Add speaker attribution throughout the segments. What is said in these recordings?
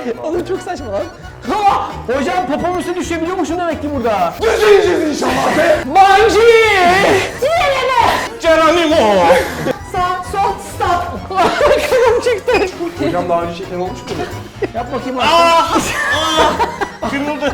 Speaker 1: Oğlum çok saçma lan. Ha! Hocam popom üstüne düşebiliyormuşum demek ki burada.
Speaker 2: Düzeyeceğiz inşallah be.
Speaker 1: Banci!
Speaker 2: Geronimo.
Speaker 1: Sağ, sol, stop. Kafam çıktı.
Speaker 2: Hocam daha önce şeker olmuş mu?
Speaker 1: Yap bakayım.
Speaker 2: Kırıldı.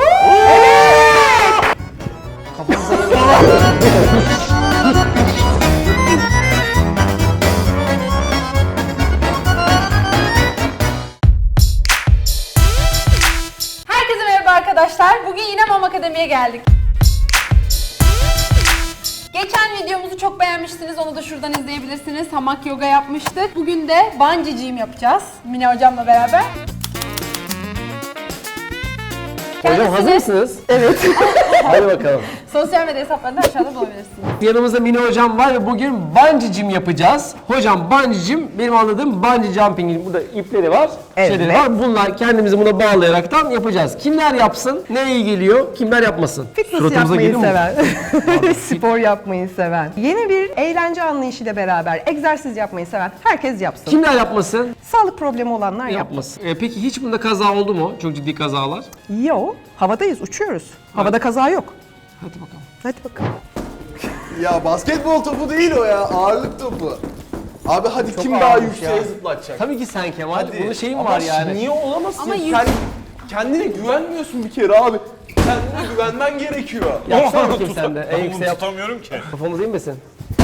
Speaker 3: Herkese merhaba arkadaşlar. Bugün yine Mom Akademi'ye geldik. Geçen videomuzu çok beğenmiştiniz. Onu da şuradan izleyebilirsiniz. Hamak yoga yapmıştık. Bugün de bungee jump yapacağız. Mine hocamla beraber.
Speaker 1: Hocam hazır mısınız? Evet. Hadi bakalım.
Speaker 3: Sosyal medya hesaplarında aşağıda bulabilirsiniz.
Speaker 1: Yanımızda Mine hocam var ve bugün bungee jump yapacağız. Hocam bungee jump benim anladığım bungee jumping'in burada ipleri var, şeyleri var. Bunlar kendimizi buna bağlayaraktan yapacağız. Kimler yapsın? Ne iyi geliyor? Kimler yapmasın?
Speaker 4: Fitness yapmayı seven, spor yapmayı seven, yeni bir eğlence anlayışıyla beraber egzersiz yapmayı seven herkes yapsın.
Speaker 1: Kimler yapmasın?
Speaker 4: Sağlık problemi olanlar yapmasın.
Speaker 1: Yapmasın. Peki hiç bunda kaza oldu mu? Çok ciddi kazalar.
Speaker 4: Yo, havadayız, uçuyoruz. Havada kaza yok.
Speaker 1: Hadi bakalım.
Speaker 4: Hadi bakalım.
Speaker 2: Ya basketbol topu değil o ya. Ağırlık topu. Abi hadi kim daha
Speaker 1: ağırmış
Speaker 2: yükseğe
Speaker 1: ya.
Speaker 2: zıplatacak?
Speaker 1: Tabii ki sen Kemal.
Speaker 2: Hadi.
Speaker 1: Bunun şeyin
Speaker 2: Ama
Speaker 1: var yani.
Speaker 2: Niye olamazsın?
Speaker 3: Ama
Speaker 2: Kendine güvenmiyorsun bir kere abi. Kendine güvenmen gerekiyor.
Speaker 1: Yapsana bakayım sen de. En
Speaker 5: Bunu
Speaker 1: yüksek yap.
Speaker 5: tutamıyorum ki.
Speaker 1: Kafamız inmesin.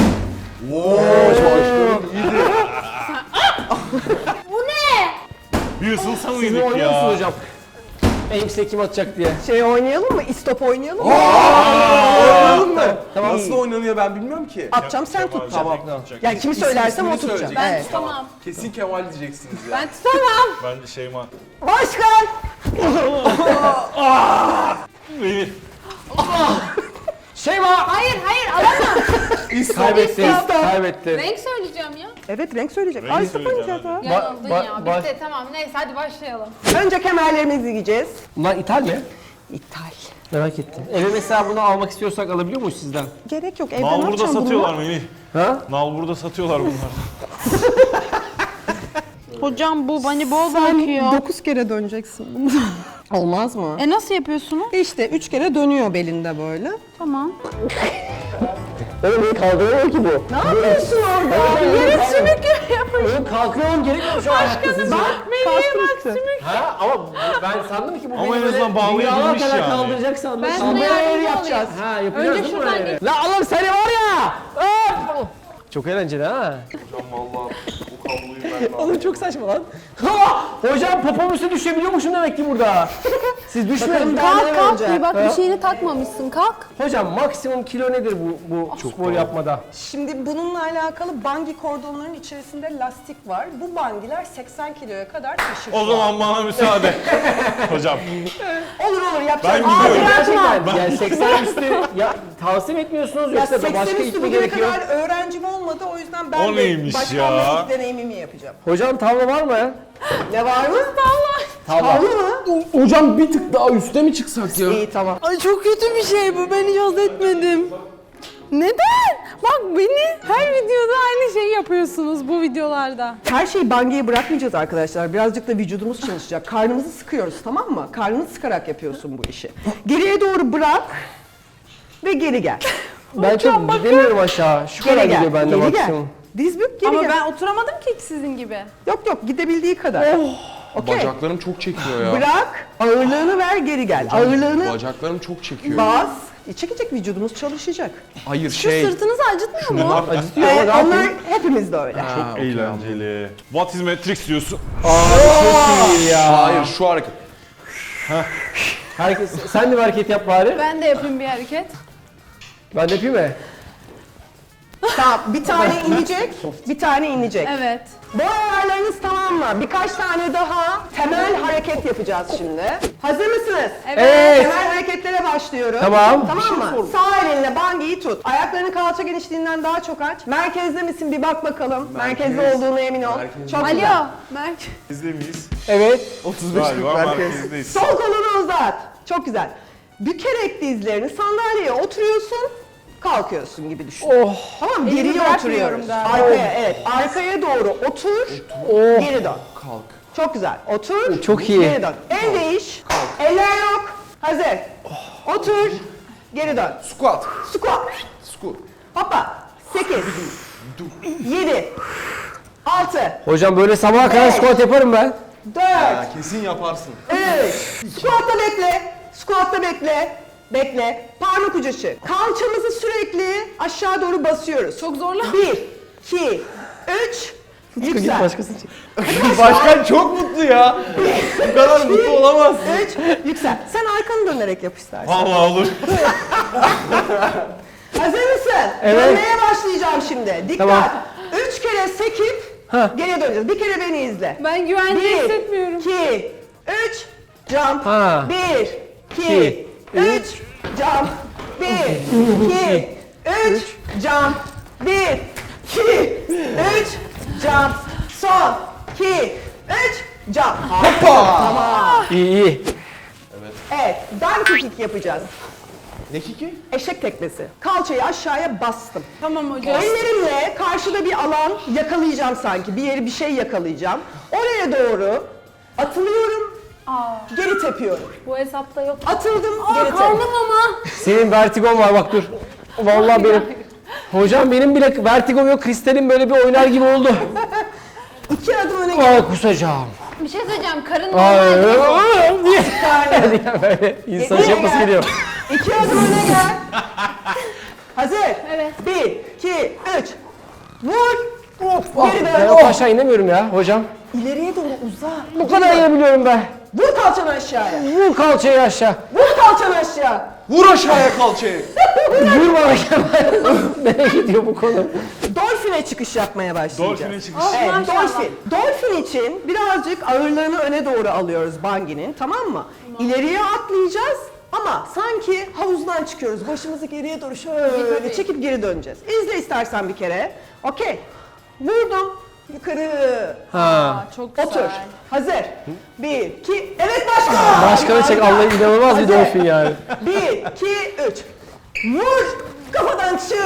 Speaker 3: Bu ne?
Speaker 5: Bir ısınsa
Speaker 1: Siz
Speaker 5: mıydık
Speaker 1: oynuyor musunuz
Speaker 5: ya?
Speaker 1: hocam? En yüksek kim atacak diye.
Speaker 4: Şey oynayalım mı? İstop oynayalım mı?
Speaker 2: Oynayalım mı?
Speaker 4: Tamam.
Speaker 2: Nasıl oynanıyor ben bilmiyorum ki.
Speaker 4: Atacağım sen tut.
Speaker 2: Tamam.
Speaker 4: Yani kimi söylersem o
Speaker 2: İsmini
Speaker 4: tutacağım.
Speaker 2: söyleyecek.
Speaker 3: Ben
Speaker 4: Evet.
Speaker 3: tutamam.
Speaker 2: Kesin Kemal diyeceksiniz ya.
Speaker 3: Ben tutamam.
Speaker 5: Bence Şeyma.
Speaker 4: Başkan!
Speaker 5: Beni.
Speaker 1: Şeyma!
Speaker 3: Hayır alamam.
Speaker 1: Kaybetti.
Speaker 3: İstop.
Speaker 1: Kaybetti.
Speaker 3: Renk söyleyeceğim ya.
Speaker 4: Evet renk söyleyecek.
Speaker 5: Rengi
Speaker 4: Ay stop
Speaker 5: söyleyeceğim,
Speaker 4: oynayacağız ha.
Speaker 3: Yanıldın
Speaker 1: ba-
Speaker 3: ya.
Speaker 1: ba-
Speaker 3: Bitti tamam. Neyse hadi başlayalım.
Speaker 4: Önce kemerlerimizi giyeceğiz.
Speaker 1: Bunlar ithal mi?
Speaker 4: İthal.
Speaker 1: Merak ettim. Eve mesela bunu almak istiyorsak alabiliyor muyuz sizden?
Speaker 4: Gerek yok. Evde ne
Speaker 5: Nal burada
Speaker 4: yapacağım
Speaker 5: satıyorlar
Speaker 4: bununla?
Speaker 5: Melih.
Speaker 1: Ha?
Speaker 5: Nal burada satıyorlar bunlar.
Speaker 3: Hocam bu bani bol
Speaker 4: Sen 9 kere döneceksin bunu. Olmaz mı?
Speaker 3: Nasıl yapıyorsunuz?
Speaker 4: İşte 3 kere dönüyor belinde böyle.
Speaker 3: Tamam.
Speaker 1: Oğlum kaldıramıyor ki bu.
Speaker 4: Ne yapıyorsun orada?
Speaker 1: Yere
Speaker 3: Sümük yapın.
Speaker 1: Oğlum kalkıyorum gerekmiyor şu an ayakta sizce.
Speaker 4: Kastım işte.
Speaker 1: Ha ama ben sandım ki bu
Speaker 5: Ama
Speaker 1: beni
Speaker 5: en
Speaker 1: böyle
Speaker 5: azından bağlayabilmiş
Speaker 1: dünyalar kadar
Speaker 5: yani.
Speaker 1: kaldıracak sandım.
Speaker 3: Ben
Speaker 1: Sandım.
Speaker 3: sana yardımcı
Speaker 4: yapacağız.
Speaker 3: olayım.
Speaker 1: Ha yapacağız
Speaker 3: Önce
Speaker 1: değil mi
Speaker 3: şuradan
Speaker 1: öyle?
Speaker 3: geç.
Speaker 1: La oğlum seni var ya. Öf! Çok eğlenceli ha.
Speaker 2: Vallahi bu kabloyu ben
Speaker 1: Oğlum çok saçma lan. Ha! Hocam popom üstüne düşebiliyormuşum demek ki burada. Siz düşmeyin.
Speaker 3: Kalk kalk bir bak bir şeyini takmamışsın kalk.
Speaker 1: Hocam maksimum kilo nedir bu spor yapmada?
Speaker 4: Şimdi bununla alakalı bangi kordonların içerisinde lastik var. Bu bangiler 80 kiloya kadar taşır.
Speaker 5: O zaman bana müsaade. Hocam.
Speaker 4: Olur yapacağız.
Speaker 5: Ben gidiyorum.
Speaker 1: Gerçekten yani 80 üstü ya tavsiye etmiyorsunuz
Speaker 4: Ya
Speaker 1: yoksa da
Speaker 4: 80
Speaker 1: başka
Speaker 4: üstü
Speaker 1: gitme
Speaker 4: bugüne
Speaker 1: gerekiyor?
Speaker 4: kadar öğrencim olmadı. O yüzden ben
Speaker 5: O neymiş
Speaker 4: de
Speaker 5: ya?
Speaker 4: başkanlık deneyimimi yapacağım.
Speaker 1: Hocam tavla var mı?
Speaker 4: Ne var mı?
Speaker 1: Tavla.
Speaker 4: Tavla mı?
Speaker 2: Hocam bir tık daha üste mi çıksak ya?
Speaker 4: İyi tamam.
Speaker 3: Ay çok kötü bir şey bu ben hiç haz etmedim. Neden? Bak beni her videoda aynı şeyi yapıyorsunuz bu videolarda.
Speaker 4: Her şeyi bangiye bırakmayacağız arkadaşlar. Birazcık da vücudumuz çalışacak. Karnımızı sıkıyoruz tamam mı? Karnını sıkarak yapıyorsun bu işi. Geriye doğru bırak ve geri gel.
Speaker 1: Ben çok gidemiyorum aşağı. Şu kadar
Speaker 4: Geri gel.
Speaker 1: gidiyor bende
Speaker 4: Geri gel.
Speaker 1: maksimum.
Speaker 4: Diz bük geri
Speaker 3: Ama
Speaker 4: gel.
Speaker 3: ben oturamadım ki hiç sizin gibi.
Speaker 4: Yok gidebildiği kadar. Okey.
Speaker 2: Bacaklarım çok çekiyor ya.
Speaker 4: Bırak, ağırlığını ver geri gel. Ağırlığını
Speaker 2: Bacaklarım çok çekiyor.
Speaker 4: bas. Çekecek vücudumuz çalışacak.
Speaker 2: Hayır
Speaker 3: Şu sırtınızı acıtmıyor mu?
Speaker 2: Bunlar
Speaker 1: Acıtıyor ama ne
Speaker 4: Onlar
Speaker 1: yapayım?
Speaker 4: hepimiz de öyle.
Speaker 2: Ha,
Speaker 5: Eğlenceli. What is Matrix diyorsun?
Speaker 1: Çok iyi ya.
Speaker 2: Hayır şu hareket.
Speaker 1: Herkes, sen de bir hareket yap bari.
Speaker 3: Ben de yapayım bir hareket.
Speaker 1: Ben de yapayım mı?
Speaker 4: Tamam, bir tane inecek, bir tane inecek.
Speaker 3: Evet.
Speaker 4: Bu ayarlarınız tamam mı? Birkaç tane daha temel hareket yapacağız şimdi. Hazır mısınız?
Speaker 1: Evet.
Speaker 4: Temel hareketlere başlıyorum.
Speaker 1: Tamam.
Speaker 4: Tamam mı? Sağ elinle bangiyi tut. Ayaklarını kalça genişliğinden daha çok aç. Merkezde misin? Bir bak bakalım. Merkezde olduğuna emin ol.
Speaker 2: Merkezde.
Speaker 4: Çok güzel.
Speaker 3: Alo Merk.
Speaker 5: Bizde miyiz?
Speaker 1: Evet.
Speaker 2: 35'lik
Speaker 5: Galiba
Speaker 2: merkez.
Speaker 5: merkezdeyiz.
Speaker 4: Sol kolunu uzat. Çok güzel. Bükerek dizlerini sandalyeye oturuyorsun. Kalkıyorsun gibi düşün.
Speaker 1: Oh.
Speaker 4: Tamam
Speaker 3: Elimi
Speaker 4: geriye
Speaker 3: bırakmıyorum
Speaker 4: oturuyoruz.
Speaker 3: galiba.
Speaker 4: Arkaya evet. Arkaya doğru otur. Geri dön.
Speaker 2: Kalk.
Speaker 4: Çok güzel. Otur.
Speaker 1: Çok iyi.
Speaker 4: Geri dön. El değiş. Eller yok. Hazır. Otur. Geri dön.
Speaker 2: Squat.
Speaker 4: Squat.
Speaker 2: Squat.
Speaker 4: Hoppa. 8. 7. 6.
Speaker 1: Hocam böyle sabaha kadar squat yaparım ben.
Speaker 4: 4.
Speaker 2: Ya kesin yaparsın.
Speaker 4: 3. Squat'ta bekle. Squat'ta bekle. Bekle. Parmak ucu açı. Kalçamızı sürekli aşağı doğru basıyoruz.
Speaker 3: Çok zorla.
Speaker 4: 1, 2, 3. Yüksel.
Speaker 1: Başkasını çek.
Speaker 2: Başkan çok mutlu ya. Bu kadar mutlu olamaz.
Speaker 4: 3. Yüksel. Sen arkanı dönerek yap istersen.
Speaker 5: Vallahi olur.
Speaker 4: Hazır mısın?
Speaker 1: Evet.
Speaker 4: Dönmeye başlayacağım şimdi. Dikkat.
Speaker 1: Tamam.
Speaker 4: 3 kere sekip geriye döneceğiz. Bir kere beni izle.
Speaker 3: Ben güvende
Speaker 4: 1,
Speaker 3: hissetmiyorum.
Speaker 4: 2, 3, jump.
Speaker 1: Ha.
Speaker 4: 1, 2, 3, jump. 1, 2, 3, jump. 1, 2, 3, jump. Son. 2, 3, jump.
Speaker 2: Hoppa.
Speaker 1: İyi iyi.
Speaker 4: Evet, donkey kick yapacağız.
Speaker 2: Ne kiki?
Speaker 4: Eşek tekmesi. Kalçayı aşağıya bastım.
Speaker 3: Tamam hocam.
Speaker 4: Ellerimle karşıda bir alan yakalayacağım sanki. Bir yeri bir şey yakalayacağım. Oraya doğru atılıyorum, geri tepiyorum.
Speaker 3: Bu hesapta yok.
Speaker 4: Atıldım, geri tep.
Speaker 3: Karnım ama.
Speaker 1: Senin vertigon var bak dur. Vallahi benim. Hocam benim bile vertigom yok. Kristal'in böyle bir oynar gibi oldu.
Speaker 4: 2 adım öne gel.
Speaker 1: Ay kusacağım.
Speaker 3: Bir şey söyleyeceğim. Karın
Speaker 1: Ay
Speaker 3: normal.
Speaker 1: diye. Böyle insan
Speaker 4: Geriye
Speaker 1: yapması
Speaker 4: gel.
Speaker 1: geliyor.
Speaker 4: 2 adım öne gel. Hazır.
Speaker 3: Evet.
Speaker 4: 1, 2, 3. Vur. Geri
Speaker 1: Ben
Speaker 4: dön.
Speaker 1: o aşağı inemiyorum ya hocam.
Speaker 4: İleriye doğru uza.
Speaker 1: Bu kadar inebiliyorum ben.
Speaker 4: Vur kalçanı aşağıya.
Speaker 1: Vur kalçayı aşağı.
Speaker 4: Vur kalçanı aşağı.
Speaker 2: Vur aşağıya kalçayı.
Speaker 1: Vur bana Kemal. Nereye gidiyor bu konu?
Speaker 4: Dolfine çıkış yapmaya başlayacağız.
Speaker 5: Dolphin'e çıkış.
Speaker 4: Evet,
Speaker 3: Maşallah.
Speaker 4: dolfin. Dolfin için birazcık ağırlığını öne doğru alıyoruz bungie'nin, tamam mı? İleriye atlayacağız ama sanki havuzdan çıkıyoruz. Başımızı geriye doğru şöyle
Speaker 3: Tabii.
Speaker 4: çekip geri döneceğiz. İzle istersen bir kere. Okey. Vurdum. Yukarı.
Speaker 1: Ha.
Speaker 3: Çok güzel.
Speaker 4: Otur. Hazır. 1, 2, evet başkan.
Speaker 1: Başkanı çek. Allah inanılmaz bir
Speaker 4: Hadi.
Speaker 1: dolfin yani.
Speaker 4: 1, 2, 3. Vur. Kafadan çık.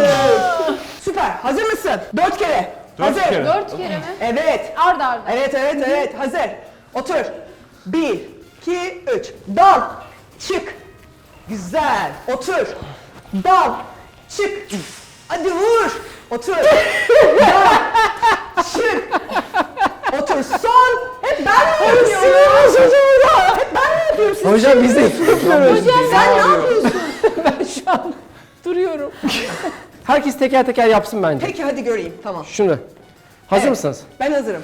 Speaker 4: Süper. Hazır mısın? 4 kere.
Speaker 5: Dört
Speaker 4: Hazır.
Speaker 5: kere.
Speaker 3: 4 kere mi?
Speaker 4: Evet.
Speaker 3: Arda arda.
Speaker 4: Evet. Hazır. Otur. 1, 2, 3. Dal. Çık. Güzel. Otur. Dal. Çık. Hadi vur. Otur. Dal. Çık. Otur. Son. Hep ben mi yapıyorum? Hep ben mi yapıyorum? Siz
Speaker 1: Hocam biz de yapıyoruz.
Speaker 4: Sen ne yapıyorsun?
Speaker 1: Ben şu an duruyorum. Herkes teker teker yapsın bence.
Speaker 4: Peki hadi göreyim. Tamam.
Speaker 1: Şunu. Hazır
Speaker 4: Evet.
Speaker 1: mısınız?
Speaker 4: Ben hazırım.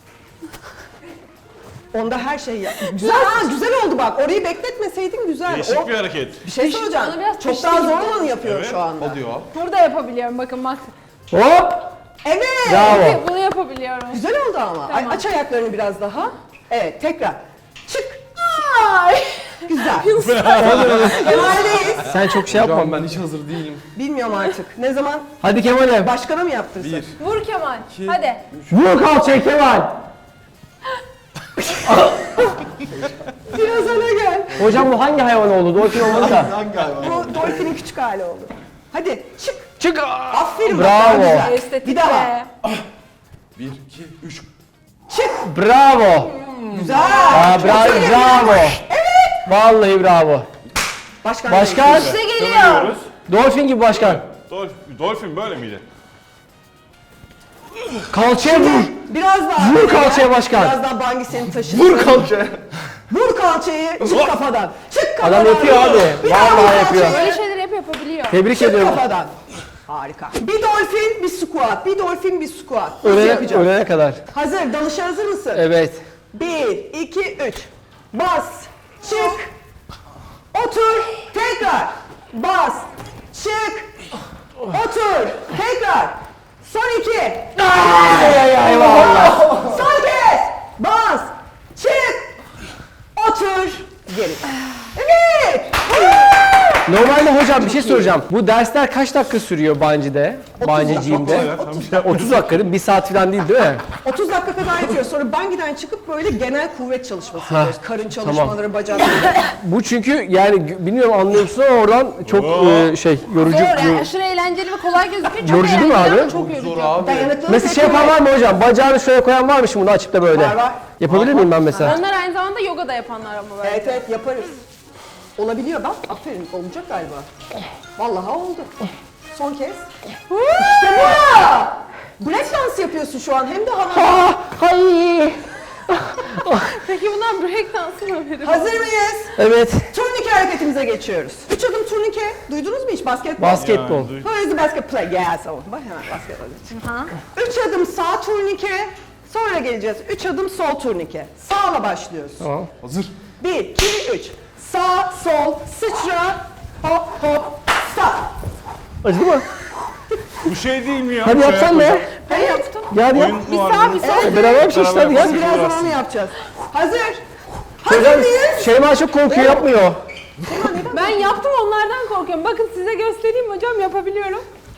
Speaker 4: Onda her şey yap. Güzel ha, güzel oldu bak. Orayı bekletmeseydin güzel.
Speaker 5: Değişik bir hareket.
Speaker 4: Bir şey söyleyeceğim.
Speaker 3: Bana biraz
Speaker 4: Çok
Speaker 3: pişti
Speaker 4: daha
Speaker 3: gibi.
Speaker 4: zor olanı yapıyor
Speaker 5: Evet.
Speaker 4: şu anda.
Speaker 2: O diyor.
Speaker 3: Burada yapabiliyorum bakın bak.
Speaker 1: Hop!
Speaker 4: Evet.
Speaker 1: Bravo.
Speaker 3: Bunu yapabiliyorum.
Speaker 4: Güzel oldu ama. Ay,
Speaker 3: Tamam.
Speaker 4: aç ayaklarını biraz daha. Evet, tekrar. Çık.
Speaker 3: Ay.
Speaker 4: Güzel. Kemal'deyiz.
Speaker 1: Sen çok şey yapma.
Speaker 2: Hocam ben hiç hazır değilim.
Speaker 4: Bilmiyorum artık. Ne zaman?
Speaker 1: Hadi Kemal'e.
Speaker 4: Başkana mı yaptırsın?
Speaker 2: 1,
Speaker 3: Vur Kemal. Hadi.
Speaker 1: Vur kalçayı Kemal.
Speaker 4: Biraz öne gel.
Speaker 1: Hocam bu hangi hayvan oldu? Dolfin olmadı da.
Speaker 2: hangi hayvan?
Speaker 4: Bu dolfinin küçük hali oldu. Hadi çık.
Speaker 1: Çık.
Speaker 4: Aferin. bak,
Speaker 1: Bravo.
Speaker 4: daha güzel.
Speaker 3: Estetik
Speaker 4: Bir daha.
Speaker 3: be.
Speaker 2: 1, 2, 3.
Speaker 4: Çık.
Speaker 1: Bravo.
Speaker 4: Güzel.
Speaker 1: Aa, bravo. Evet. Vallahi bravo.
Speaker 4: Başkan.
Speaker 1: Başkan.
Speaker 3: İşte geliyor.
Speaker 5: Dönüyoruz.
Speaker 1: Dolfin gibi başkan.
Speaker 5: Dolphin böyle miydi?
Speaker 1: Kalçaya vur.
Speaker 4: Biraz daha.
Speaker 1: Vur
Speaker 4: öne
Speaker 1: kalçaya
Speaker 4: gel.
Speaker 1: başkan.
Speaker 4: Biraz daha bangi seni taşısın.
Speaker 1: Vur kalçaya.
Speaker 4: Vur kalçayı, çık kafadan. Çık kafadan.
Speaker 1: Adam yapıyor abi.
Speaker 4: Bir daha vur
Speaker 1: Vallahi yapıyor.
Speaker 4: kalçayı,
Speaker 3: Böyle şeyleri hep yapabiliyor.
Speaker 1: Tebrik
Speaker 4: Çık
Speaker 1: ediyorum.
Speaker 4: kafadan. Harika. Bir dolfin, bir squat. Bir dolfin, bir squat. Nasıl
Speaker 1: Ölene,
Speaker 4: yapacağız?
Speaker 1: ölene kadar.
Speaker 4: Hazır, dalışa hazır mısın?
Speaker 1: Evet.
Speaker 4: 1, 2, 3. Bas, çık. Otur, tekrar. Bas, çık. Otur, tekrar. Son 2.
Speaker 1: Ay vallahi.
Speaker 4: Son kez. Bas, çık. Otur, geri. Evet.
Speaker 1: Normalde hocam bir şey soracağım. Bu dersler kaç dakika sürüyor Bungee'de? Bungee'ciğimde?
Speaker 5: Kolay ya, tam bir şey yapma.
Speaker 1: 30 dakika değil mi? 1 saat falan değil mi?
Speaker 4: 30 dakika saate kadar yapıyoruz. Sonra bungie'den çıkıp böyle genel kuvvet çalışması yapıyoruz. Karın çalışmaları, bacak.
Speaker 1: Bu çünkü yani bilmiyorum anlıyor musun ama oradan çok yorucu.
Speaker 3: Zor yani aşırı eğlenceli ve kolay gözüküyor. Çok
Speaker 1: Yorucu değil mi
Speaker 3: eğlenceli
Speaker 1: abi?
Speaker 3: ama çok yorucu.
Speaker 2: Zor abi.
Speaker 4: Dayanıklılık
Speaker 1: Mesela şey yapan var mı hocam? Bacağını şöyle koyan var mı şimdi bunu açıp da böyle?
Speaker 4: Var, var.
Speaker 1: Yapabilir miyim ben mesela?
Speaker 3: Onlar aynı zamanda yoga da yapanlar ama böyle.
Speaker 4: Evet evet yaparız. Olabiliyor bak. Aferin olacak galiba. Vallahi oldu. Son kez. İşte bu! Break dans yapıyorsun şu an hem de havada.
Speaker 3: Peki bundan break dansı mı verir?
Speaker 4: Hazır mıyız?
Speaker 1: Evet.
Speaker 4: Turnike hareketimize geçiyoruz. 3 adım turnike. Duydunuz mu hiç basketbol?
Speaker 1: Basketbol.
Speaker 5: Yani,
Speaker 4: Where is the basket play? Yes, oh. Bak hemen basketbol. 3 adım sağ turnike. Sonra geleceğiz. 3 adım sol turnike. Sağla başlıyoruz.
Speaker 1: Tamam.
Speaker 2: Hazır.
Speaker 4: 1, 2, 3. Sağ, sol, sıçra. Hop, hop, stop.
Speaker 1: Acıdı mı?
Speaker 5: Bu şey değil mi ya?
Speaker 1: Hadi
Speaker 5: Şey
Speaker 1: yapsan be.
Speaker 5: yapacağım.
Speaker 3: Ben yaptım.
Speaker 1: Gel yap.
Speaker 5: Oyun
Speaker 3: Bir
Speaker 5: var
Speaker 3: sağ
Speaker 5: mı?
Speaker 3: bir sol.
Speaker 1: Beraber bir şey işte hadi
Speaker 5: Beraber
Speaker 1: gel.
Speaker 4: Biraz
Speaker 5: Biraz
Speaker 4: zaman yapacağız. Hazır.
Speaker 1: Hocam
Speaker 4: Hazır mıyız?
Speaker 1: Şeyma çok korkuyor yapmıyor.
Speaker 3: Ben yaptım onlardan korkuyorum. Bakın size göstereyim hocam yapabiliyorum.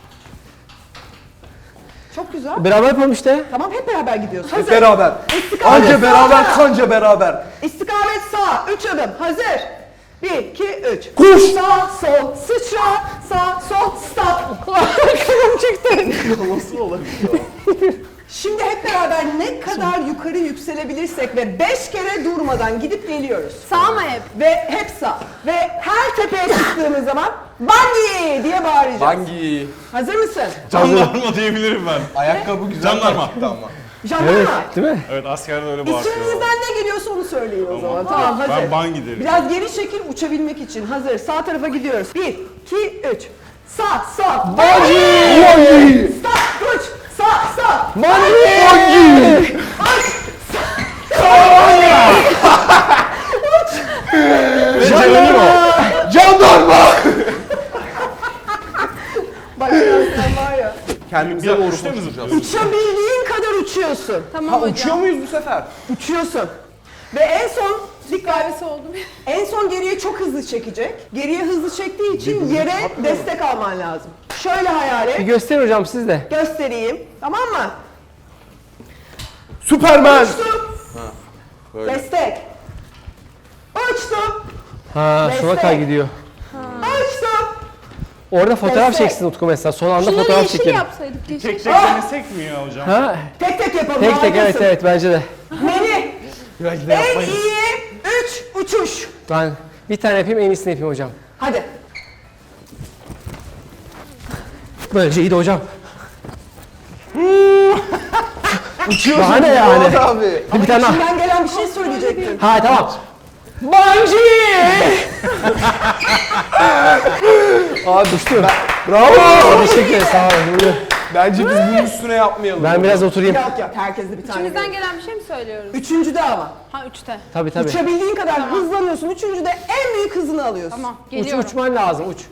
Speaker 4: Çok güzel.
Speaker 1: Beraber yapalım işte.
Speaker 4: Tamam hep beraber gidiyoruz. Hazır.
Speaker 2: Hep beraber.
Speaker 4: İstikamet
Speaker 2: Anca
Speaker 4: sağ.
Speaker 2: beraber, kanca beraber.
Speaker 4: İstikamet sağ. 3 adım. Hazır. 1, 2, 3.
Speaker 1: Koş.
Speaker 4: Sağ, sol, sıçra. Sağ, sol, stop. Kafam çıktı.
Speaker 2: Nasıl olabiliyor?
Speaker 4: Şimdi hep beraber ne kadar yukarı yükselebilirsek ve 5 kere durmadan gidip geliyoruz.
Speaker 3: Sağ mı hep?
Speaker 4: Ve hep sağ. Ve her tepeye çıktığımız zaman Bungee diye bağıracağız.
Speaker 2: Hangi?
Speaker 4: Hazır mısın?
Speaker 5: Jandarma diyebilirim ben.
Speaker 2: Ayakkabı güzel
Speaker 5: Jandarma.
Speaker 2: taktı ama.
Speaker 4: Jandarma.
Speaker 1: Evet değil mi?
Speaker 5: Evet askerde öyle bağırıyor.
Speaker 4: İçinizden ne geliyorsa onu söyleyin o zaman. Tamam hazır.
Speaker 5: Ben bungee derim.
Speaker 4: Biraz geri çekil uçabilmek için. Hazır. Sağ tarafa gidiyoruz. 1, 2, 3. Sağ, sağ.
Speaker 1: Bungee!
Speaker 4: Stop, uç. Sağ, sağ.
Speaker 1: Bungee! Jandarma!
Speaker 2: Jandarma!
Speaker 4: Bak sen var ya.
Speaker 2: Kendimize
Speaker 5: Ya
Speaker 2: doğru
Speaker 5: üçte mi
Speaker 2: koşacağız.
Speaker 4: Uçabildiğin kadar uçuyorsun.
Speaker 3: Tamam
Speaker 2: Ha
Speaker 3: hocam.
Speaker 2: uçuyor muyuz bu sefer?
Speaker 4: Uçuyorsun. Ve en son dikkat.
Speaker 3: Kahvesi oldum.
Speaker 4: En son geriye çok hızlı çekecek. Geriye hızlı çektiği için yere destek alman lazım. Şöyle hayal
Speaker 1: Bir
Speaker 4: et.
Speaker 1: göster hocam siz de.
Speaker 4: Göstereyim. Tamam mı?
Speaker 2: Süpermen!
Speaker 4: Uçtum.
Speaker 2: Böyle.
Speaker 4: Destek. Uçtum.
Speaker 1: Ha şuna
Speaker 4: Destek.
Speaker 1: kay gidiyor.
Speaker 4: Uçtum.
Speaker 1: Orada fotoğraf
Speaker 4: Destek.
Speaker 1: çeksin Utku mesela. Son anda
Speaker 3: Şunları
Speaker 1: fotoğraf
Speaker 3: yeşil
Speaker 1: çekelim.
Speaker 3: yapsaydık yeşil.
Speaker 5: Tek tek denesek mi ya hocam?
Speaker 1: Ha?
Speaker 4: Tek tek yapalım.
Speaker 1: Tek tek evet
Speaker 4: harikasın.
Speaker 1: evet bence de.
Speaker 4: Melih.
Speaker 2: Belki de
Speaker 4: En
Speaker 2: yapmayız.
Speaker 4: iyi 3 uçuş.
Speaker 1: Ben bir tane yapayım en iyisini yapayım hocam.
Speaker 4: Hadi.
Speaker 1: Böylece iyi de hocam.
Speaker 2: Uçuyorsun.
Speaker 1: Daha ne yani?
Speaker 2: Fuat abi.
Speaker 1: Bir tane daha.
Speaker 4: İçinden gelen bir şey söyleyecektin.
Speaker 1: Ha tamam. Bungee!
Speaker 2: Abi düştü. Bravo.
Speaker 1: Teşekkür ederim sağ olun. Buyurun.
Speaker 2: Bence biz bunun üstüne yapmayalım.
Speaker 1: Ben biraz oturayım.
Speaker 4: Yok yok herkes de bir tane.
Speaker 3: İçimizden
Speaker 4: verir.
Speaker 3: gelen bir şey mi söylüyoruz?
Speaker 4: Üçüncüde ama.
Speaker 3: Ha 3'te.
Speaker 1: Tabii tabii.
Speaker 4: Uçabildiğin kadar hızlanıyorsun. Üçüncüde en büyük hızını alıyorsun.
Speaker 3: Tamam
Speaker 1: Uç,
Speaker 3: geliyorum.
Speaker 1: uçman lazım uç.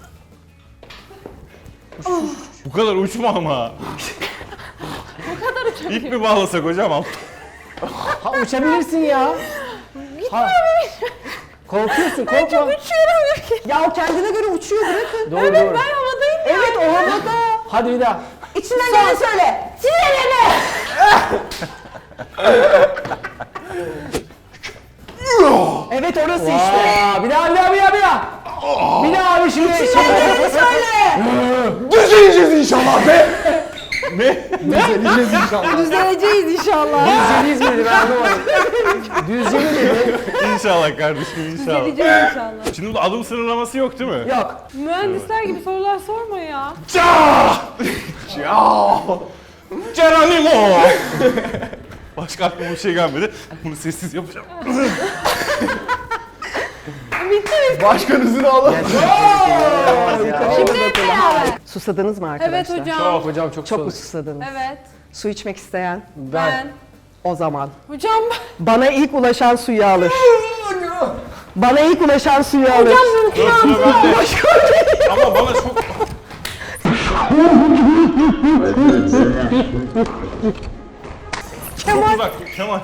Speaker 5: Bu kadar uçma ama.
Speaker 3: Bu kadar uçabiliyorum.
Speaker 5: İp mi bağlasak hocam?
Speaker 1: Ha uçabilirsin ya. Ha. Korkuyorsun korkma.
Speaker 3: Uçuyorum.
Speaker 4: Ya o kendine göre uçuyor bırakın.
Speaker 1: Doğru doğru.
Speaker 3: Ben havadayım.
Speaker 4: Evet o havada.
Speaker 1: Hadi bir daha.
Speaker 4: İçinden geleni söyle. Sinirleme. Evet orası işte.
Speaker 1: Aa, bir daha bir daha bir daha bir daha. Bir daha abi şimdi.
Speaker 4: İçinden geleni söyle.
Speaker 2: Düzeleceğiz inşallah be.
Speaker 5: Ne?
Speaker 2: Düzeleceğiz inşallah.
Speaker 3: Düzeleceğiz inşallah.
Speaker 1: Düzceliyiz miydi ben anlamadım. Düzceli miydi?
Speaker 5: İnşallah kardeşim inşallah.
Speaker 3: Düzeleceğiz inşallah.
Speaker 5: Şimdi burada adım sınırlaması yok değil mi?
Speaker 4: Yok.
Speaker 3: Mühendisler gibi sorular sorma ya.
Speaker 5: Geronimo! Başka aklıma bir şey gelmedi. Bunu sessiz yapacağım.
Speaker 2: Başkanınızı alın.
Speaker 3: Şimdi hep beraber.
Speaker 4: Susadınız mı arkadaşlar?
Speaker 3: Evet hocam.
Speaker 1: Hocam çok
Speaker 4: Çok mu
Speaker 1: soğuk.
Speaker 4: susadınız?
Speaker 3: Evet.
Speaker 4: Su içmek isteyen
Speaker 3: Ben.
Speaker 4: o zaman.
Speaker 3: Hocam.
Speaker 4: Bana ilk ulaşan suyu alır. Bana ilk ulaşan suyu alır.
Speaker 3: Hocam mümkün
Speaker 5: Sıra bende. Ama bana çok... Çok uzak Kemal.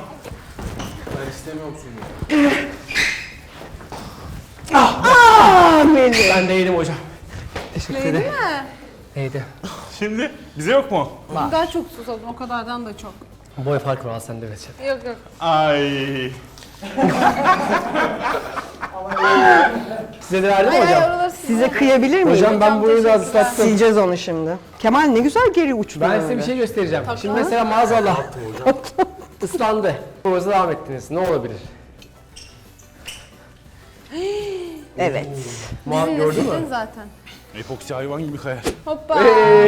Speaker 1: Ben değilim hocam. Teşekkür
Speaker 3: Değil
Speaker 1: ederim.
Speaker 3: mi?
Speaker 1: Neydi?
Speaker 5: Şimdi bize yok mu?
Speaker 3: Daha çok susadım o kadardan da çok.
Speaker 1: Boy farkı var sende Reçet.
Speaker 3: Yok yok.
Speaker 5: Ay.
Speaker 1: Size de verdim mi hocam?
Speaker 3: oraları
Speaker 4: Size kıyabilir miyim?
Speaker 1: Hocam ben burayı biraz ıslattım.
Speaker 4: Sileceğiz onu şimdi. Kemal ne güzel geri uçtu.
Speaker 1: Ben size
Speaker 4: öyle.
Speaker 1: bir şey göstereceğim. Şimdi mesela maazallah ıslandı. Boğaza devam ettiniz. Ne olabilir?
Speaker 4: Evet.
Speaker 1: Gördün mü?
Speaker 3: zaten.
Speaker 5: Epoksi hayvan gibi kayar.
Speaker 3: Hoppa.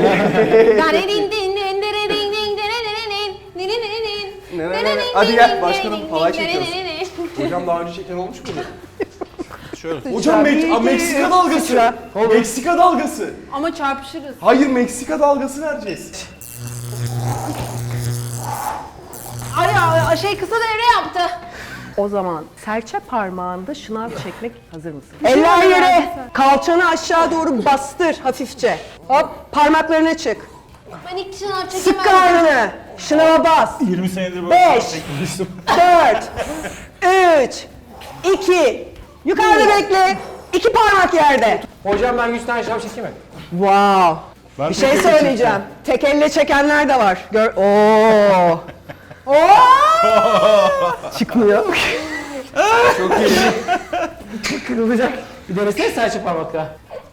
Speaker 2: Hadi gel başkanım, halay çekiyoruz. Hocam daha önce çeken olmuş mu?
Speaker 5: Şöyle.
Speaker 2: Hocam Meksika dalgası.
Speaker 4: Sıçra.
Speaker 2: Meksika dalgası.
Speaker 3: Ama çarpışırız.
Speaker 2: Hayır Meksika dalgası vereceğiz.
Speaker 3: Ay şey kısa devre yaptı.
Speaker 4: O zaman serçe parmağında şınav çekmek hazır mısın? Eller yere. Kalçanı aşağı doğru bastır hafifçe. Hop parmaklarına çık.
Speaker 3: Ben ilk şınav çekemem.
Speaker 4: Sık karnını. Şınava bas.
Speaker 5: 20 senedir böyle
Speaker 4: 5,
Speaker 5: çekmemiştim.
Speaker 4: 4, 3, 2. Yukarıda bekle. 2 parmak yerde.
Speaker 1: Hocam ben 100 tane şınav çekeyim mi?
Speaker 4: Wow.
Speaker 5: Ben
Speaker 4: Bir şey
Speaker 5: tek elle
Speaker 4: söyleyeceğim. Tek elle çekenler de var. Oo. Çıkmıyor.
Speaker 1: Çok iyi. Kırılacak. Bir denesene serçe parmakla.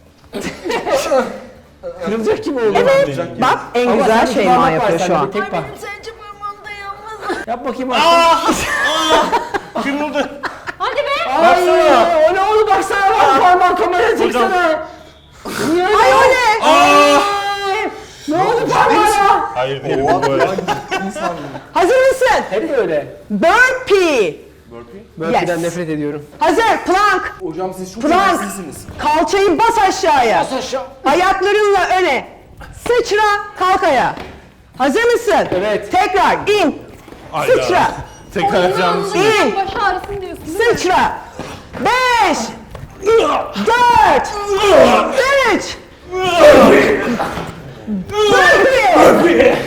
Speaker 1: Kırılacak gibi oldu.
Speaker 4: Evet. Bak en
Speaker 1: Ama
Speaker 4: güzel
Speaker 1: sende
Speaker 4: şey
Speaker 1: parmak var,
Speaker 4: yapıyor
Speaker 1: sende
Speaker 4: şu an.
Speaker 1: bir tek parmak.
Speaker 3: Sence parmağım dayanmaz.
Speaker 1: Yap bakayım aslında.
Speaker 5: Kırıldı.
Speaker 3: Hadi be.
Speaker 1: Ay o ne oldu baksana bak parmağın kameraya çeksene. Niye öyle?
Speaker 4: Ay o ne?
Speaker 1: Ne oldu parmağına?
Speaker 5: Hayır değilim bu böyle.
Speaker 4: Hazır mısın?
Speaker 1: Hep böyle.
Speaker 4: Burpee.
Speaker 1: Burpee'den
Speaker 4: Yes.
Speaker 1: nefret ediyorum.
Speaker 4: Hazır. Plank.
Speaker 2: Hocam siz çok
Speaker 4: Plank.
Speaker 2: emeksizsiniz.
Speaker 4: Kalçayı bas aşağıya.
Speaker 1: Bas aşağı.
Speaker 4: Ayaklarınla öne. Sıçra, kalk ayağa. Hazır mısın?
Speaker 1: Evet.
Speaker 4: Tekrar in.
Speaker 5: Hayda.
Speaker 4: Sıçra.
Speaker 5: Tekrar yapacağım.
Speaker 4: İn.
Speaker 3: Baş ağrısın diyorsun.
Speaker 4: Sıçra. 5, 4, 3, Burpee.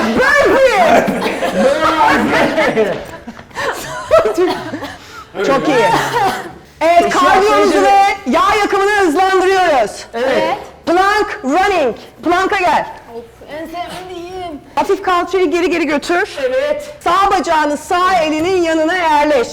Speaker 4: Çok iyi. Evet, kardiyomuzu ve yağ yakımını hızlandırıyoruz.
Speaker 1: Evet.
Speaker 4: Plank running. Plank'a gel.
Speaker 3: Of en sevdiğim.
Speaker 4: Hafif kalçayı geri geri götür.
Speaker 1: Evet.
Speaker 4: Sağ bacağını sağ elinin yanına yerleş.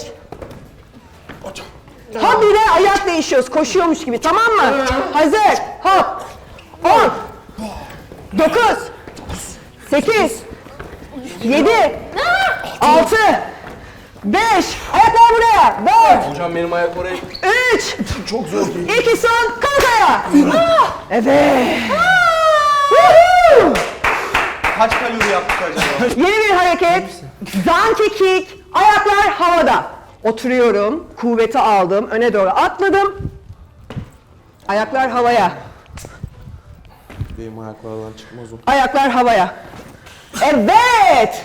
Speaker 4: Habire ayak değişiyoruz, koşuyormuş gibi, tamam mı? Hazır, hop. 10, 9, 8, 7, 6, 5, ayaklar buraya, 4,
Speaker 2: Hocam benim ayak oraya
Speaker 4: 3,
Speaker 2: çok zor değil.
Speaker 4: 2 son, kalk ayağa. Evet. Woohoo!
Speaker 2: Kaç kalori yaptık acaba?
Speaker 4: Yeni bir hareket. Donkey kick. Ayaklar havada. Oturuyorum. Kuvveti aldım. Öne doğru atladım. Ayaklar havaya.
Speaker 2: Benim ayaklardan çıkmaz o.
Speaker 4: Ayaklar havaya. Evet.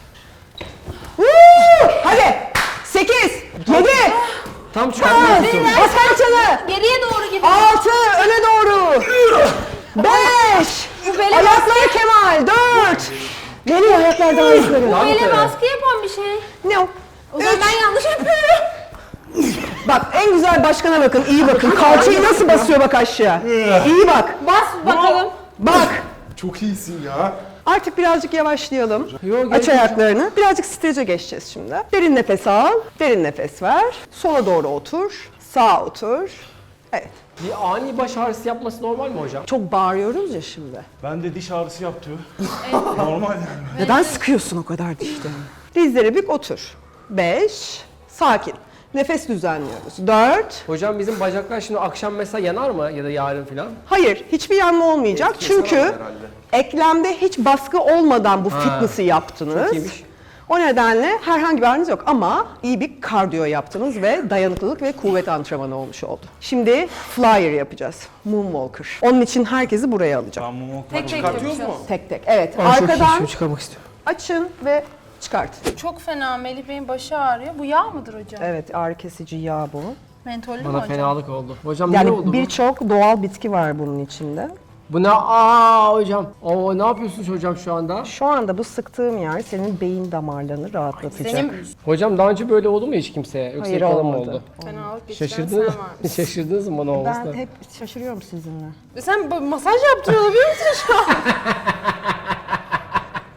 Speaker 4: Woo! Hadi. 8, 7,
Speaker 1: Tam çıkartmıyorsun.
Speaker 4: bas kalçanı.
Speaker 3: Geriye doğru gidiyor.
Speaker 4: 6, öne doğru. 5, ayakları Kemal. 4. Geliyor ayaklar daha yukarı.
Speaker 3: Böyle baskı yapan bir şey.
Speaker 4: Ne o?
Speaker 3: O zaman ben yanlış yapıyorum.
Speaker 4: Bak en güzel başkana bakın, iyi bakın. Kalçayı nasıl basıyor bak aşağı. İyi bak.
Speaker 3: Bas bakalım.
Speaker 4: Bak.
Speaker 2: Çok iyisin ya.
Speaker 4: Artık birazcık yavaşlayalım.
Speaker 1: Yok,
Speaker 4: Aç ayaklarını. Birazcık strece geçeceğiz şimdi. Derin nefes al. Derin nefes ver. Sola doğru otur. Sağa otur. Evet.
Speaker 1: Bir ani baş ağrısı yapması normal mi hocam?
Speaker 4: Çok bağırıyoruz ya şimdi.
Speaker 5: Ben de diş ağrısı yaptı. Normal yani.
Speaker 4: Neden sıkıyorsun o kadar dişlerini? Dizleri bük otur. 5. Sakin. Nefes düzenliyoruz. 4.
Speaker 1: Hocam bizim bacaklar şimdi akşam mesela yanar mı ya da yarın falan?
Speaker 4: Hayır, hiçbir yanma olmayacak. Çünkü eklemde hiç baskı olmadan bu fitness'ı yaptınız.
Speaker 1: Çok iyiymiş.
Speaker 4: O nedenle herhangi bir ağrınız yok ama iyi bir kardiyo yaptınız ve dayanıklılık ve kuvvet antrenmanı olmuş oldu. Şimdi flyer yapacağız. Moonwalker. Onun için herkesi buraya alacağım.
Speaker 5: Ben mumu
Speaker 3: Tek tek
Speaker 2: Çıkartıyoruz
Speaker 3: yapacağız.
Speaker 2: mu?
Speaker 4: Tek tek. Evet.
Speaker 1: Çok iyi,
Speaker 4: Arkadan
Speaker 1: şunu çıkarmak istiyorum.
Speaker 4: açın ve çıkartın.
Speaker 3: Çok fena Melih Bey'in başı ağrıyor. Bu yağ mıdır hocam?
Speaker 4: Evet, ağrı kesici yağ bu.
Speaker 3: Mentollü mü
Speaker 1: Bana
Speaker 3: hocam?
Speaker 1: fenalık oldu. Hocam ne oldu
Speaker 4: Yani
Speaker 1: bu?
Speaker 4: birçok doğal bitki var bunun içinde.
Speaker 1: Bu ne? Hocam. Oo ne yapıyorsunuz hocam şu anda?
Speaker 4: Şu anda bu sıktığım yer senin beyin damarlarını rahatlatacak.
Speaker 3: Senin
Speaker 1: Hocam daha önce böyle oldu mu hiç kimseye? Yoksa
Speaker 4: Hayır,
Speaker 1: ilk bana mı
Speaker 4: olmadı.
Speaker 1: oldu?
Speaker 3: fenalık geçiren sen
Speaker 1: Şaşırdınız,
Speaker 3: var.
Speaker 1: şaşırdınız mı bana olmasına?
Speaker 4: Ben hep şaşırıyorum sizinle.
Speaker 3: Sen masaj yaptırıyor olabilir misin şu an?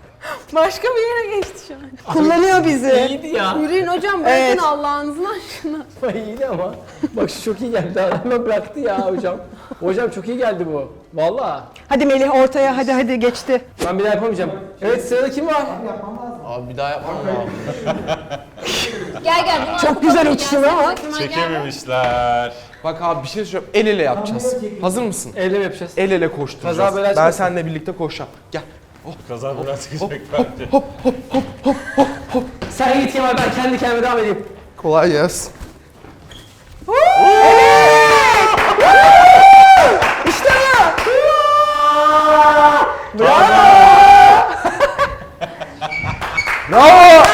Speaker 3: Başka bir yere geçti şu an.
Speaker 4: Kullanıyor bizi.
Speaker 1: İyiydi ya.
Speaker 3: Yürüyün hocam bırakın
Speaker 4: Evet.
Speaker 3: Allah'ınızın aşkına.
Speaker 1: İyiydi ama. Bak şu çok iyi geldi. Hemen bıraktı ya hocam. Hocam çok iyi geldi bu. Vallahi.
Speaker 4: Hadi Melih ortaya hadi geçti.
Speaker 1: Ben bir daha yapamayacağım. Evet sırada kim var?
Speaker 2: Abi bir daha yapmam lazım.
Speaker 3: Gel.
Speaker 4: Çok güzel uçtun ama.
Speaker 5: Çekememişler.
Speaker 2: Bak abi bir şey söyleyeceğim. El ele yapacağız. Hazır mısın?
Speaker 1: Elle mi yapacağız?
Speaker 2: El ele koşturacağız.
Speaker 1: Kaza bela
Speaker 2: Ben
Speaker 1: çıkmasın.
Speaker 2: seninle birlikte koşacağım. Gel.
Speaker 5: Kaza biraz çıkacak bence.
Speaker 1: Sen git Kemal, ben kendi kendime devam edeyim.
Speaker 2: Kolay gelsin.
Speaker 4: İşte bu.
Speaker 2: Bravo!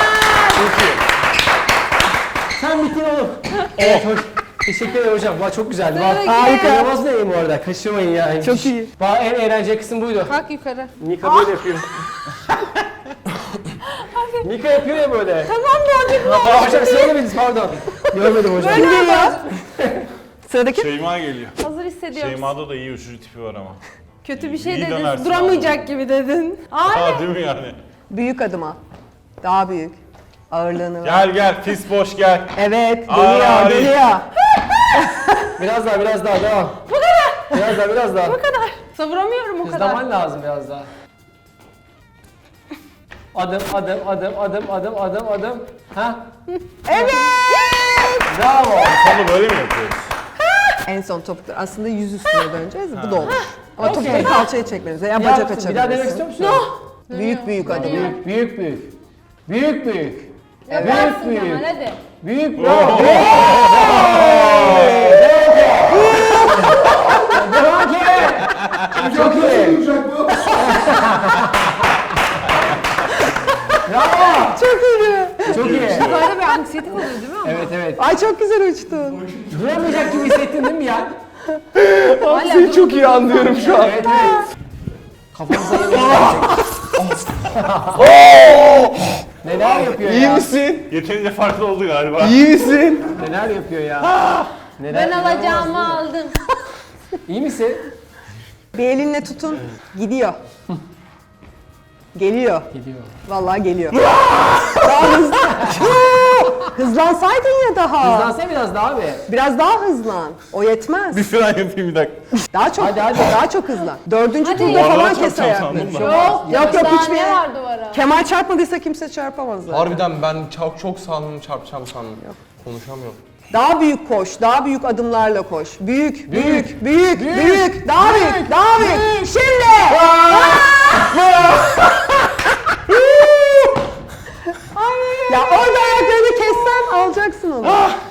Speaker 1: Sen bittin oğlum. Evet hoş. Teşekkür ederim hocam. Vay çok güzeldi. Bak,
Speaker 3: Harika.
Speaker 1: İnanılmaz neyim bu arada. Kaçırmayın ya.
Speaker 4: Çok iyi.
Speaker 1: Bak en eğlenceli kısım buydu.
Speaker 3: Kalk yukarı.
Speaker 1: Nika böyle yapıyor. Nika yapıyor ya böyle.
Speaker 3: Tamam Boncuk.
Speaker 1: Aa, hocam söylemediniz pardon. Görmedim hocam.
Speaker 3: Böyle yap.
Speaker 4: Sıradaki.
Speaker 5: Şeyma geliyor.
Speaker 3: Hazır hissediyorum.
Speaker 5: Şeyma'da da iyi uçucu tipi var ama.
Speaker 3: Kötü bir şey
Speaker 5: İyi
Speaker 3: dedin.
Speaker 5: dönersin
Speaker 3: Duramayacak gibi dedin.
Speaker 5: Ha değil mi yani?
Speaker 4: Büyük adım al. Daha büyük. Ağırlığını ver.
Speaker 5: Gel pis boş gel.
Speaker 4: Evet
Speaker 5: Ay.
Speaker 4: geliyor.
Speaker 1: Biraz daha devam. Bu kadar. Biraz daha.
Speaker 3: Bu kadar. Savuramıyorum o kadar.
Speaker 1: Hızlaman lazım biraz daha. Adım. Ha?
Speaker 4: Evet.
Speaker 1: Bravo.
Speaker 5: Sonu böyle mi yapıyoruz?
Speaker 4: En son topuklar. Aslında yüz üstüne döneceğiz. Bu da olur. Ama topukları kalçaya çekmemiz. Ya
Speaker 1: Bir
Speaker 4: bacak
Speaker 1: yaptın, bir daha denemek istiyor
Speaker 4: açabilirsin.
Speaker 1: musun?
Speaker 4: Büyük adım.
Speaker 1: Büyük.
Speaker 3: Yaparsın Kemal hadi.
Speaker 1: Büyük bravo. Devam ki. Çok iyi. Bravo.
Speaker 4: Çok iyi.
Speaker 1: Çok iyi.
Speaker 3: Böyle bir anksiyetik oluyor değil mi?
Speaker 1: Evet.
Speaker 4: Ay çok güzel uçtun.
Speaker 1: Duramayacak gibi hissettin değil mi ya?
Speaker 2: Seni çok iyi anlıyorum şu an.
Speaker 1: Evet. Kafamıza yemek Neler yapıyor
Speaker 2: İyi
Speaker 1: ya?
Speaker 2: misin?
Speaker 5: Yeterince farklı oldu galiba.
Speaker 2: İyi misin?
Speaker 1: Neler yapıyor ya? Neler,
Speaker 3: Ben alacağımı aldım.
Speaker 1: İyi misin?
Speaker 4: Bir elinle tutun. Gidiyor. Geliyor.
Speaker 1: Gidiyor.
Speaker 4: Vallahi geliyor. Daha hızlı. Hızlansaydın ya daha.
Speaker 1: Hızlansana biraz daha abi.
Speaker 4: Biraz daha hızlan. O yetmez.
Speaker 5: Bir fren yapayım bir dakika.
Speaker 4: Daha çok.
Speaker 1: Hadi.
Speaker 4: Daha çok hızlan. Dördüncü
Speaker 3: Hadi.
Speaker 4: turda
Speaker 5: Duvara
Speaker 4: falan
Speaker 5: çarpacağım
Speaker 4: kes ayakları.
Speaker 5: sandım da.
Speaker 4: Yok
Speaker 3: Daha
Speaker 4: hiçbir
Speaker 3: ne
Speaker 4: yere.
Speaker 3: var duvara?
Speaker 4: Kemal çarpmadıysa kimse çarpamaz zaten.
Speaker 2: Harbiden ben çok sandım çarpacağım sandım. Konuşamıyorum.
Speaker 4: Daha büyük koş, daha büyük adımlarla koş. Büyük. Daha büyük. Şimdi! Ya orada ayaklarını kessen alacaksın onu.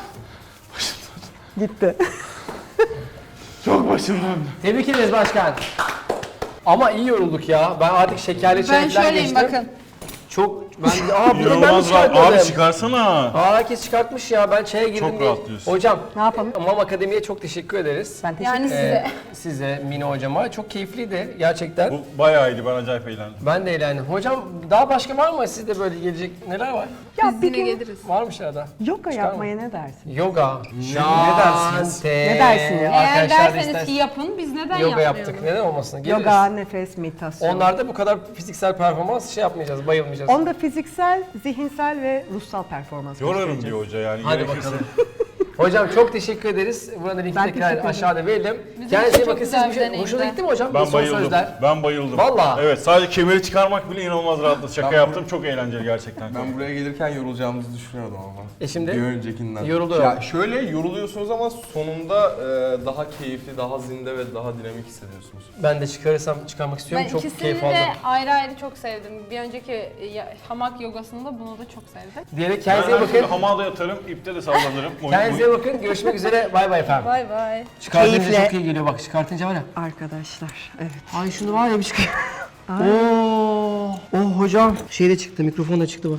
Speaker 4: Gitti.
Speaker 5: Çok başım döndü.
Speaker 1: Tebrik ederiz başkan. Ama iyi yorulduk ya. Ben artık şekerli çay
Speaker 3: Ben
Speaker 1: falan
Speaker 3: şöyleyim
Speaker 1: geçtim.
Speaker 3: bakın.
Speaker 1: Çok bir de ben mi
Speaker 5: İnanılmaz rahat.
Speaker 1: çıkartmadım?
Speaker 5: Abi çıkarsana.
Speaker 1: Herkes çıkartmış ya. Ben çaya girdim
Speaker 5: Çok
Speaker 1: diye.
Speaker 5: rahatlıyorsun.
Speaker 1: Hocam,
Speaker 4: Ne yapalım?
Speaker 1: Mam Akademi'ye çok teşekkür ederiz.
Speaker 4: Ben teşekkür
Speaker 3: Yani
Speaker 4: ederim.
Speaker 3: size.
Speaker 1: Size, Mine hocama. Çok keyifliydi gerçekten.
Speaker 5: Bu bayağı iyiydi. Ben acayip eğlendim.
Speaker 1: Ben de eğlendim. Hocam daha başka var mı? Sizde böyle gelecek neler var?
Speaker 4: Ya
Speaker 3: Biz
Speaker 4: bir
Speaker 3: yine
Speaker 4: gün
Speaker 3: geliriz.
Speaker 1: Varmış arada.
Speaker 4: yoga yapmaya ne dersin?
Speaker 1: Yoga.
Speaker 2: Ne dersiniz?
Speaker 4: Ne dersin ya?
Speaker 3: Eğer
Speaker 1: Arkadaşlar da
Speaker 3: derseniz
Speaker 1: ister-
Speaker 3: ki yapın biz neden
Speaker 1: yoga
Speaker 3: yapmayalım?
Speaker 1: yaptık. Neden olmasın? Geliriz.
Speaker 4: Yoga, nefes, meditasyon.
Speaker 1: Onlarda bu kadar fiziksel performans şey yapmayacağız, bayılmayacağız.
Speaker 4: Onda fiziksel, zihinsel ve ruhsal performans
Speaker 5: Yorarım
Speaker 4: göstereceğiz.
Speaker 5: diyor hoca yani.
Speaker 1: Hadi
Speaker 5: gerekirse.
Speaker 1: bakalım. Hocam çok teşekkür ederiz. Burada linki
Speaker 4: Ben
Speaker 1: tekrar
Speaker 4: teşekkür ederim.
Speaker 1: aşağıda verelim.
Speaker 3: Bizim
Speaker 1: Kendinize
Speaker 3: için
Speaker 1: bakın.
Speaker 3: çok
Speaker 1: Siz
Speaker 3: güzel
Speaker 1: bir
Speaker 3: bir
Speaker 1: şey...
Speaker 3: deneyimdi.
Speaker 1: Hoşuna gitti mi hocam?
Speaker 5: Ben
Speaker 1: Son
Speaker 5: bayıldım.
Speaker 1: sözler.
Speaker 5: Ben bayıldım.
Speaker 1: Vallahi.
Speaker 5: Evet sadece kemeri çıkarmak bile inanılmaz rahatladı. Şaka yaptım. Çok eğlenceli gerçekten.
Speaker 2: Ben buraya gelirken yorulacağımızı düşünüyordum ama.
Speaker 1: Şimdi?
Speaker 2: Bir öncekinden.
Speaker 1: Yoruluyor.
Speaker 2: Ya şöyle yoruluyorsunuz ama sonunda daha keyifli, daha zinde ve daha dinamik hissediyorsunuz.
Speaker 1: Ben de çıkarmak istiyorum.
Speaker 3: Ben
Speaker 1: çok
Speaker 3: ikisini
Speaker 1: keyif
Speaker 3: de
Speaker 1: aldım.
Speaker 3: ayrı ayrı çok sevdim. Bir önceki hamak yogasında bunu da çok sevdim.
Speaker 1: Diyerek
Speaker 5: Ben
Speaker 1: kendinize
Speaker 5: her türlü
Speaker 1: bakın.
Speaker 5: hamada yatarım, ipte de sallanırım.
Speaker 1: Kendinize bakın. Görüşmek üzere. Bay bay efendim.
Speaker 3: Bay bay.
Speaker 1: Çıkartınca
Speaker 4: Keyifle.
Speaker 1: çok iyi geliyor bak. Çıkartınca var ya.
Speaker 4: Arkadaşlar, evet.
Speaker 1: Ay şunu var ya bir çıkıyor. Oo. Oh hocam. Şey de çıktı. Mikrofon da çıktı bak.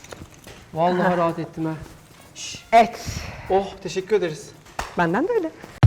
Speaker 1: Vallahi rahat ettim ha.
Speaker 4: Evet.
Speaker 1: Oh teşekkür ederiz.
Speaker 4: Benden de öyle.